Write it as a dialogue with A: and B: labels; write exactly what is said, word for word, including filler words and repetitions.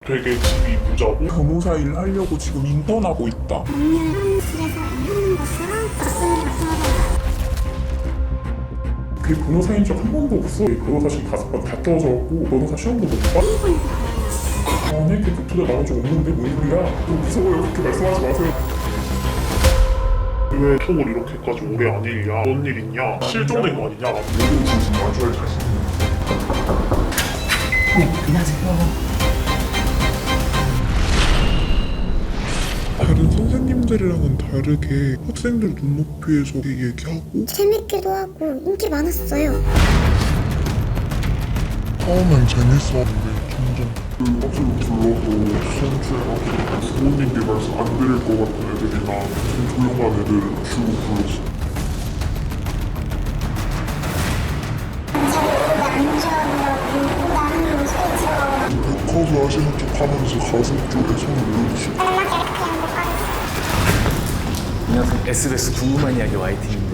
A: 되게 집이 부자고
B: 변호사 일 하려고 지금 인턴하고 있다.
C: 법률 사무실에서 일하는 것으로 맞습니다.
B: 그 변호사인 적 한 번도 없어. 변호사 시험 다섯 번 다 떨어져갖고 변호사 시험도 못 봐. 아니 그 투자 나온 적 없는데 뭔 소리야? 좀 무서워요. 그렇게 말씀하지 마세요.
A: 왜 톡을 이렇게까지 오래 안 읽냐? 뭔 일 있냐? 실종된 거 아니냐?
B: 모든 진심 마주할 자신 있는.
D: 네, 안녕하세요.
B: 다른 선생님들이랑은 다르게 학생들 눈높이에서 얘기하고
C: 재밌기도 하고 인기 많았어요.
B: 처음엔 재밌었는데 점점 그 학생을 불러도 수험주행하고 부모님께 말씀 안 드릴 것 같은 애들이나 좀 조용한 애들을 주로 불렀어. 백허브 하시는 척 하면서 가슴 쪽에 손을 올려주시고
D: 안녕하세요. 에스비에스 궁금한 이야기 와이팅입니다.